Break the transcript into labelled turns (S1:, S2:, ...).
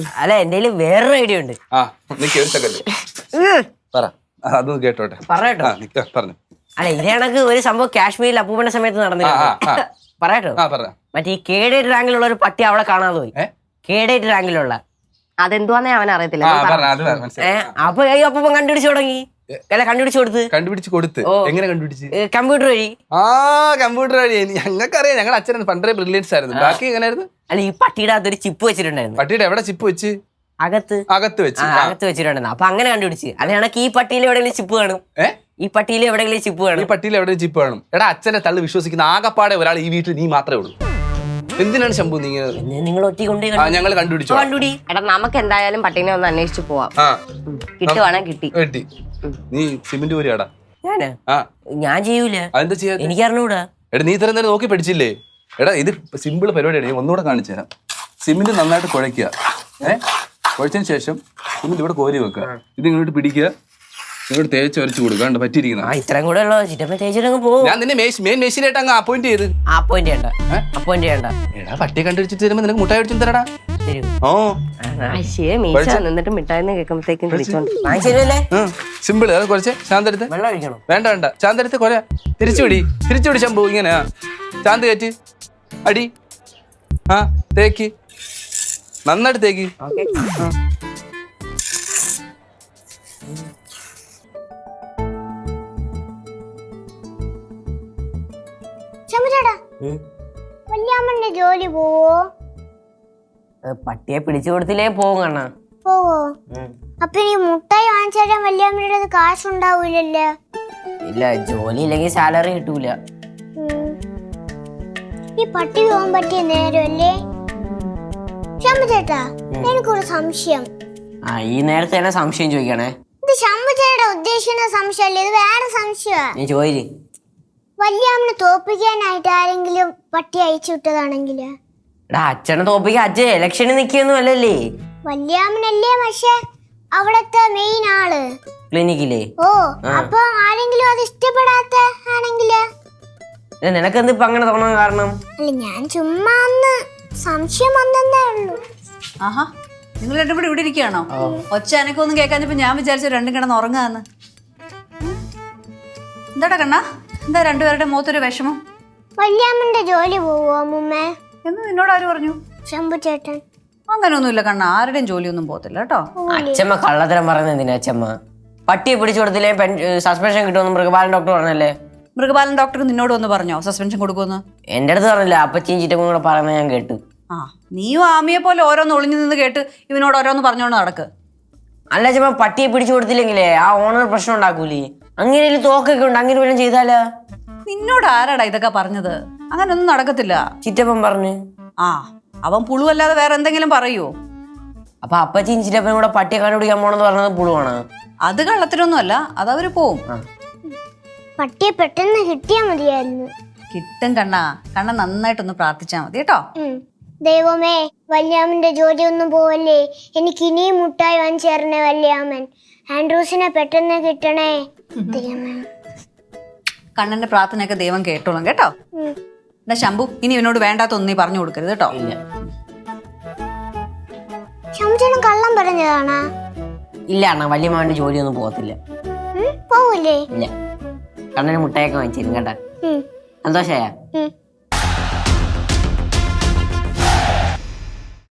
S1: അല്ല എന്റെ വേറൊരു ഐഡിയ ഉണ്ട്.
S2: അതൊന്ന് കേട്ടോട്ടെ.
S1: പറഞ്ഞു. അല്ല ഇത് കണക്ക് ഒരു സംഭവം കാശ്മീരിൽ അപ്പൂപ്പന്റെ സമയത്ത് നടന്നില്ല. പറയട്ടോ. മറ്റേ ഈ കേഡേറ്റ് റാങ്കിലുള്ള ഒരു പട്ടി അവളെ കാണാതെ പോയി. കേഡേറ്റ് റാങ്കിലുള്ള
S3: അതെന്തുവാന്നേ അവൻ അറിയത്തില്ല.
S1: അപ്പൊ അപ്പൂപ്പൻ കണ്ടുപിടിച്ചു തുടങ്ങി. അല്ല കണ്ടുപിടിച്ചു കൊടുത്ത്
S2: എങ്ങനെ കണ്ടുപിടിച്ച്?
S1: കമ്പ്യൂട്ടർ വഴി.
S2: കമ്പ്യൂട്ടർ വഴി. ഞങ്ങൾക്കറിയാം, ഞങ്ങളുടെ അച്ഛൻ പണ്ടേ ബ്രില്യൻസ് ആയിരുന്നു. ബാക്കി എങ്ങനെയായിരുന്നു?
S1: അല്ല ഈ പട്ടിയുടെ അകത്തൊരു ചിപ്പ് വെച്ചിട്ടുണ്ടായിരുന്നു.
S2: പട്ടിയുടെ എവിടെ ചിപ്പ് വെച്ച്?
S1: അകത്ത് വെച്ചിട്ടുണ്ടായിരുന്നു. അപ്പൊ അങ്ങനെ കണ്ടുപിടിച്ച്. അല്ലെങ്കിൽ ഈ പട്ടിയിൽ എവിടെയെങ്കിലും ചിപ്പ് കാണും. ഈ പട്ടിയിൽ എവിടെയെങ്കിലും ചിപ്പ് കാണും.
S2: ഈ പട്ടിയിൽ എവിടെയും ചിപ്പ് കാണും. എടാ അച്ഛന്റെ തള്ളു വിശ്വസിക്കുന്ന ആകപ്പാടെ ഒരാൾ ഈ വീട്ടിൽ നീ മാത്രമേ ഉള്ളൂ. എന്തിനാണ് ശംഭു
S1: നിങ്ങൾ ഒറ്റ കൊണ്ട്
S2: ഞങ്ങൾ കണ്ടുപിടിച്ചു?
S3: എടാ നമുക്ക് എന്തായാലും പട്ടീനെ ഒന്ന് അന്വേഷിച്ചു പോവാം. കിട്ടുവാണെ കിട്ടി.
S2: നീ സിമെന്റ് പോരിയാടാ?
S1: ഞാൻ ചെയ്യൂല.
S2: അതെന്താ ചെയ്യാ?
S1: എനിക്ക് അറിഞ്ഞൂടാ.
S2: എടാ നീ ഇത്രയും നേരം നോക്കി പഠിച്ചില്ലേ? എടാ ഇത് സിമ്പിൾ പരിപാടിയാണ്. ഞാൻ ഒന്നുകൂടെ കാണിച്ചു തരാം. സിമെന്റ് നന്നായിട്ട് കുഴയ്ക്കുക. കുഴച്ചതിന് ശേഷം സിമെന്റ് ഇവിടെ കോരി വെക്കുക. ഇത് ഇങ്ങോട്ട് പിടിക്കുക, ഇങ്ങോട്ട് തേച്ച് വരച്ചു കൊടുക്കുക. പറ്റിയിരിക്കുന്ന
S1: ഇത്രയും കൂടെ ഉള്ളോ? പോകും.
S2: ഞാൻ നിന്നെ മെയിൻ മെഷീനായിട്ട് അങ്ങ് അപ്പോയിന്റ് ചെയ്ത്.
S1: അപ്പോയിന്റ് ചെയ്യണ്ട.
S2: എടാ പട്ടിയെ കണ്ടുപിടിച്ചിട്ട് തരുമ്പോ നിനക്ക് മുട്ടായി അടിച്ചു തരടാ.
S3: എന്നിട്ട് മിഠായിന്ന് കേൾക്കുമ്പോഴത്തേക്കും
S2: സിമ്പിൾ. അത് കുറച്ച് ശാന്തെടുത്ത്. വേണ്ട വേണ്ട, ശാന്തെടുത്ത് കൊല തിരിച്ചുപിടി ശംഭു. ഇങ്ങനെ ശാന്ത് കയറ്റി അടി. തേക്ക് നന്നായിട്ട് തേക്ക്.
S4: വല്യാമ്മന്റെ ജോലി പോവോ?
S1: പട്ടിയെ പിടിച്ചു കൊടുത്തില്ലേ പോകും കണ്ണാ.
S4: പോവോ? അപ്പൊ ഈ മുട്ടായി വാങ്ങിച്ചാൽ വല്യാമ്മയുടെ കാശുണ്ടാവൂലല്ലോ.
S1: ഇല്ല, ജോലി ഇല്ലെങ്കിൽ സാലറി കിട്ടൂല.
S4: ഈ പട്ടി പോകാൻ പറ്റിയ നേരമല്ലേ? ശംഭു ചേട്ടാ, എനിക്കൊരു സംശയം.
S1: ഈ നേരത്തെ തന്നെ സംശയം ചോദിക്കണേ.
S4: ഇത് ശംഭു ചേട്ടാ ഉദ്ദേശിക്കുന്ന സംശയമല്ലേ? ഇത് വേറെ സംശയമാ.
S1: നീ ചോദിച്ചു.
S4: വല്യാമ്മനെ തോപ്പിക്കാനായിട്ട് ആരെങ്കിലും പട്ടി അയച്ചു വിട്ടതാണെങ്കില്?
S1: അച്ഛനെ തോപ്പിക്കാൻ അച്ഛൻ ഇലക്ഷന് നിക്കൊന്നും അല്ലല്ലേ.
S4: വല്യാമ്മനല്ലേ പക്ഷെ അവിടത്തെ മെയിൻ ആള്
S1: ക്ലിനിക്കിലെ.
S4: അപ്പൊ ആരെങ്കിലും അത് ഇഷ്ടപ്പെടാത്ത ആണെങ്കില്?
S1: നിനക്കെന്ത് ഇപ്പൊ അങ്ങനെ തോന്നാൻ കാരണം?
S4: അല്ല ഞാൻ ചുമ്മാ ഒന്ന് സംശയം വന്നേ ഉള്ളൂ.
S5: ആഹാ, നിങ്ങൾ രണ്ടും കൂടി ഇവിടെ ഇരിക്കുകയാണോ? ഒച്ച എനക്കൊന്നും കേൾക്കാഞ്ഞപ്പോ ഞാൻ വിചാരിച്ചു രണ്ടും കിടന്ന് ഉറങ്ങാന്ന്. എന്താടാ കണ്ണാ, എന്താ രണ്ടുപേരുടെ മുഖത്തൊരു വിഷമം?
S4: വല്യാമ്മന്റെ ജോലി പോവോ അമ്മൂമ്മേ?
S5: എന്ന് നിന്നോട് ആര് പറഞ്ഞു?
S4: ശംഭു ചേട്ടൻ.
S5: അങ്ങനെയൊന്നുമില്ല കണ്ണാ, ആരുടെയും ജോലിയൊന്നും പോകത്തില്ല കേട്ടോ.
S1: അച്ഛമ്മ കള്ളത്തരം പറയുന്നത് എന്തിനാ അച്ഛമ്മ? പട്ടിയെ പിടിച്ചു കൊടുത്തില്ലേ സസ്പെൻഷൻ കിട്ടുമെന്ന് മൃഗപാലൻ ഡോക്ടർ പറഞ്ഞല്ലേ.
S5: മൃഗപാലൻ ഡോക്ടർ നിന്നോട് ഒന്ന് പറഞ്ഞോ സസ്പെൻഷൻ കൊടുക്കുമെന്ന്?
S1: എന്റെ അടുത്ത് പറഞ്ഞില്ല, അപ്പച്ചിയും ചീറ്റക്കും കൂടെ പറയുന്നത് ഞാൻ കേട്ടു.
S5: നീയും ആമിയെ പോലെ ഓരോന്ന് ഒളിഞ്ഞു നിന്ന് കേട്ട് ഇവനോട് ഓരോന്ന് പറഞ്ഞോണ്ട് നടക്ക്.
S1: അല്ല അച്ഛമ്മ, പട്ടിയെ പിടിച്ചു കൊടുത്തില്ലെങ്കിലേ ആ ഓണർ പ്രശ്നം ഉണ്ടാക്കൂലേ. അങ്ങനെ തോക്കൊക്കെ ഉണ്ട്, അങ്ങനെ വല്ലതും ചെയ്താലാ?
S5: നിന്നോട് ആരാടാ ഇതൊക്കെ പറഞ്ഞത്? അങ്ങനൊന്നും നടക്കത്തില്ല.
S1: ചിറ്റപ്പൻ പറഞ്ഞു.
S5: അവൻ പുളുവല്ലാതെ വേറെ എന്തെങ്കിലും പറയൂ?
S1: അപ്പൊ അപ്പച്ചിയും ചിറ്റപ്പനും കൂടെ പട്ടിയെ കണ്ടുപിടിക്കാൻ പോണെന്ന് പറഞ്ഞത് പുളുവാണ്.
S5: അത് കള്ളത്തിനൊന്നും അല്ല, അതവര് പോവും.
S4: പട്ടിയെ പെട്ടെന്ന് കിട്ടിയാ മതിയായിരുന്നു.
S5: കിട്ടും കണ്ണാ, കണ്ണ നന്നായിട്ടൊന്ന് പ്രാർത്ഥിച്ചാ മതി കേട്ടോ.
S4: ദൈവമേ, വല്യാമ്മന്റെ ജോലി ഒന്നും പോവല്ലേ. എനിക്ക് ഇനിയും മുട്ടായി വാങ്ങിച്ചേരണേ വല്യാമ്മൻ. ആൻഡ്രൂസിനെ പെട്ടെന്ന് കിട്ടണേ ദൈവമേ.
S5: കണ്ണന്റെ പ്രാർത്ഥനയൊക്കെ ദൈവം കേട്ടോളും കേട്ടോ. എന്നാ ശംഭു, ഇനി ഇവനോട് വേണ്ടാത്തൊന്നും നീ പറഞ്ഞു കൊടുക്കരുത് കേട്ടോ.
S4: ശംഭുചേട്ടൻ കള്ളം പറഞ്ഞതാണാ?
S1: ഇല്ല അണ്ണാ, വല്യമ്മാവന്റെ ജോലിയൊന്നും പോകത്തില്ല.
S4: പോവൂലേ?
S1: ഇല്ല, കണ്ണന് മുട്ടായൊക്കെ വാങ്ങിച്ചിരുന്നു കേട്ടാ. സന്തോഷായ?